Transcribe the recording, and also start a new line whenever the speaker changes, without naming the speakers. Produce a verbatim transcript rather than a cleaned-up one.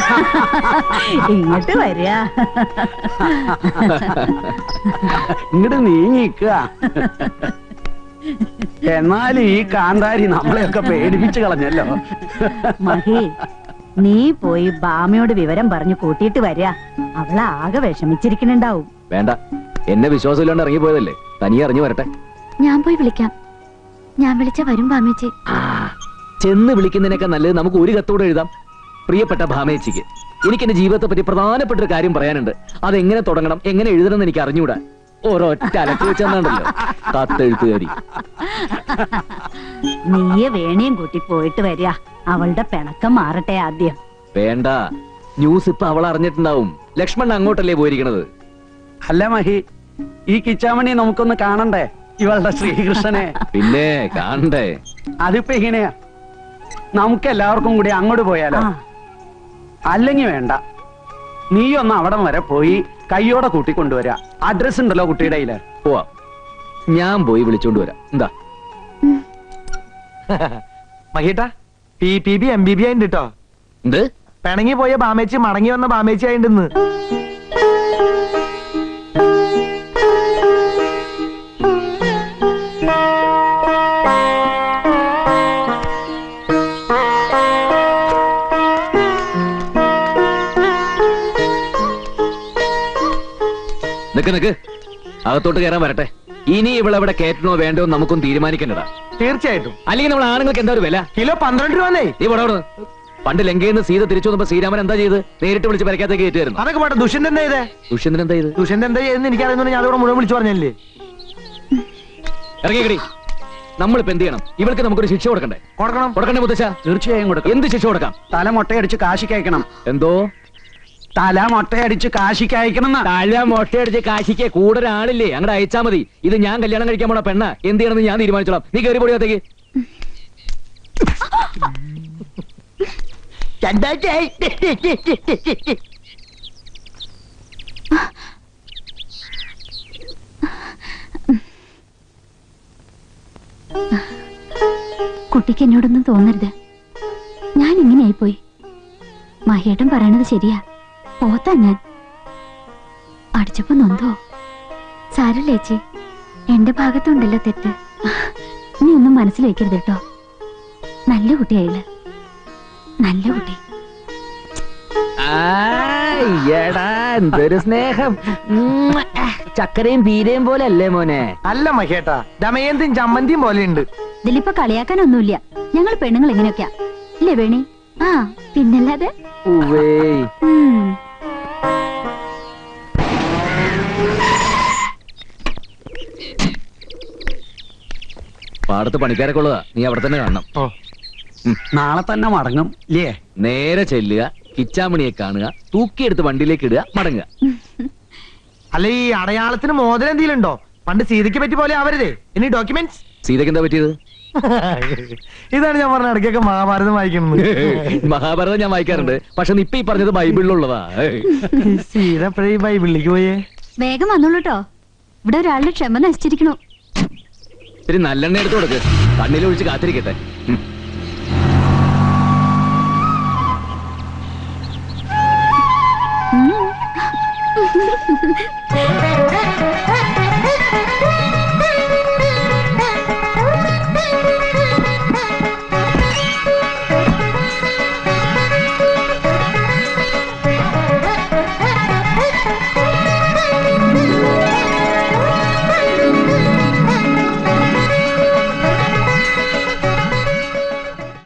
ഇങ്ങോട്ട് വരിക.
ഇങ്ങോട്ട് നീങ്ങിക്കുക. എന്നാൽ ഈ കാന്താരി നമ്മളെയൊക്കെ പേടിപ്പിച്ചു കളഞ്ഞല്ലോ.
മഹി, നീ പോയി ബാമയോട് വിവരം പറഞ്ഞു കൂട്ടിയിട്ട് വരിക. അവളാകെ വിഷമിച്ചിരിക്കുന്നുണ്ടാവും.
വേണ്ട, എന്നെ വിശ്വാസമില്ലാണ്ട് ഇറങ്ങിപ്പോയതല്ലേ, തനിയെ അറിഞ്ഞു വരട്ടെ.
ഞാൻ പോയി വിളിക്കാം. ഞാൻ വിളിച്ച വരും ഭാമേച്ചി.
ചെന്ന് വിളിക്കുന്നതിനൊക്കെ നല്ലത് നമുക്ക് ഒരു കത്തോടെ എഴുതാം. പ്രിയപ്പെട്ട ഭാമേച്ചിക്ക്, എനിക്ക് എന്റെ ജീവിതത്തെ പറ്റി പ്രധാനപ്പെട്ട ഒരു കാര്യം പറയാനുണ്ട്. അതെങ്ങനെ തുടങ്ങണം, എങ്ങനെ എഴുതണം എന്ന് എനിക്ക് അറിഞ്ഞൂടാ. ഓരോറ്റ അലക്ക് വെച്ചെന്നാണ്ടല്ലോ കത്തെഴുത്തുകാരി.
നീയെ വേണിയും കൂട്ടി പോയിട്ട് വരിക. അവളുടെ പിണക്കം മാറട്ടെ ആദ്യം.
വേണ്ട, ന്യൂസ് ഇപ്പൊ അവൾ അറിഞ്ഞിട്ടുണ്ടാവും. ലക്ഷ്മൺ അങ്ങോട്ടല്ലേ പോയിരിക്കണത്.
അല്ല മഹി, ഈ കിച്ചാമണി നമുക്കൊന്ന് കാണണ്ടേ, ഇവളുടെ ശ്രീകൃഷ്ണനെ?
പിന്നെ കാണണ്ടേ.
അതിപ്പോ എങ്ങനെയാ, നമുക്ക് എല്ലാവർക്കും കൂടി അങ്ങോട്ട് പോയാലോ? അല്ലെങ്കിൽ വേണ്ട, നീ ഒന്ന് അവിടം വരെ പോയി കയ്യോടെ കൂട്ടിക്കൊണ്ടുവരാ. അഡ്രസ് ഉണ്ടല്ലോ കുട്ടിയുടെ കയ്യില്.
പോവാം, ഞാൻ പോയി വിളിച്ചോണ്ട് വരാം. എന്താ
മഹേട്ടാ, P P B M B B ആയിണ്ട് കേട്ടോ.
എന്ത്?
പിണങ്ങി പോയ ബാമേച്ചി മടങ്ങി വന്ന ബാമേച്ചി ആയിണ്ടെന്ന്.
നിക്ക് നിക്ക്, അകത്തോട്ട് കയറാൻ വരട്ടെ. ഇനി ഇവളെവിടെ കയറ്റണോ വേണ്ടോ നമുക്കൊന്നും തീരുമാനിക്കണ്ടടാ.
തീർച്ചയായിട്ടും.
അല്ലെങ്കിൽ നമ്മൾ ആണുങ്ങൾക്ക് എന്താ ഒരു വില?
കിലോ പന്ത്രണ്ട് രൂപ.
നീ പോടോന്ന്. പണ്ട് ലങ്കയിൽ നിന്ന് സീത തിരിച്ചു വന്നപ്പോ ശ്രീരാമൻ എന്താ ചെയ്ത്? നേരിട്ട് വിളിച്ച് പരക്കാത്തേക്ക് കയറ്റുമായിരുന്നു.
അതൊക്കെ പോട്ടെ, ദുഷ്യന്തൻ എന്താ ചെയ്തേ?
ദുഷ്യന്തൻ എന്താ ചെയ്ത്?
ദുഷ്യന്തൻ എന്താ ചെയ്തെന്ന് എനിക്കറിയുന്ന ഞാൻ അതോടെ മുഴുവൻ വിളിച്ചു പറഞ്ഞല്ലേ.
ഇറങ്ങിക്കടി. നമ്മളിപ്പോ എന്ത് ചെയ്യണം? ഇവൾക്ക് നമുക്കൊരു ശിക്ഷ കൊടുക്കണ്ടേ?
കൊടുക്കണം.
കൊടുക്കണ്ടേ മുത്തശ്ശ?
തീർച്ചയായും കൊടുക്കും.
എന്ത് ശിക്ഷ കൊടുക്കാം?
തല മുട്ടയടിച്ച് കാശിക്ക് അയക്കണം.
എന്തോ
തല മുട്ടയടിച്ച് കാശിക്ക് അയക്കണം.
തല മുട്ടയടിച്ച് കാശിക്ക് കൂടെ ഒരാളില്ലേ, അങ്ങോട്ട് അയച്ചാ മതി. ഇത് ഞാൻ കല്യാണം കഴിക്കാൻ പോണ പെണ്ണ, എന്ത് ചെയ്യണമെന്ന് ഞാൻ തീരുമാനിച്ചോളാം. നീ കയറി പൊടിയത്തേക്ക്.
കുട്ടിക്ക് എന്നോടൊന്നും തോന്നരുത്. ഞാൻ ഇങ്ങനെയായിപ്പോയി. മഹേട്ടൻ പറയണത് ശരിയാ. പോത്താ ഞാൻ. അടിച്ചപ്പോ നൊന്തോ? സാരല്ലേ ചേച്ചി, എന്റെ ഭാഗത്തുണ്ടല്ലോ തെറ്റ്. നീ ഒന്നും മനസ്സിൽ വെക്കരുത് കേട്ടോ. നല്ല കുട്ടിയായില്ല, നല്ല കുട്ടി.
എന്തൊരു സ്നേഹം. ചക്കരയും തീരയും പോലെ അല്ലേ മോനെ?
അല്ല മഹേട്ടാ, ദമയന്തിയും ചമ്മന്തിയും പോലെയുണ്ട്.
ഇതിലിപ്പോ കളിയാക്കാനൊന്നുമില്ല. ഞങ്ങൾ പെണ്ണുങ്ങൾ എങ്ങനെയൊക്കെയാ അല്ലേ വേണി? ആ പിന്നല്ലാതെ.
പാടത്ത് പണിക്കാരൊക്കെ ഉള്ളതാ, നീ അവിടെ തന്നെ കാണണം.
നാളെ തന്നെ മടങ്ങും ഇല്ലേ?
നേരെ ചെല്ലുക, കിച്ചാമണിയെ കാണുക, തൂക്കിയെടുത്ത് വണ്ടിയിലേക്ക് ഇടുക, മടങ്ങുക.
അല്ല, ഈ അടയാളത്തിന് മോതിരം എന്തെങ്കിലും ഉണ്ടോ? പണ്ട് സീതയ്ക്ക് പറ്റി പോലെ ആവരുതേ. ഇനി ഡോക്യുമെന്റ്സ്.
സീതയ്ക്ക് എന്താ പറ്റിയത്?
ഇതാണ് ഞാൻ പറഞ്ഞ ഇടയ്ക്കൊക്കെ മഹാഭാരതം വായിക്കുന്നത്.
മഹാഭാരതം ഞാൻ വായിക്കാറുണ്ട്, പക്ഷെ ഇപ്പൊ ഈ പറഞ്ഞത് ബൈബിളിലുള്ളതാ.
സീത എപ്പോഴേ ഈ ബൈബിളിലേക്ക് പോയേ?
വേഗം വന്നോളൂ കേട്ടോ, ഇവിടെ ഒരാളുടെ ക്ഷമ നശിച്ചിരിക്കണു.
ഇത്തിരി നല്ലെണ്ണ എടുത്ത് കൊടുക്ക്, കണ്ണിലൊഴിച്ച് കാത്തിരിക്കട്ടെ.
ഉം.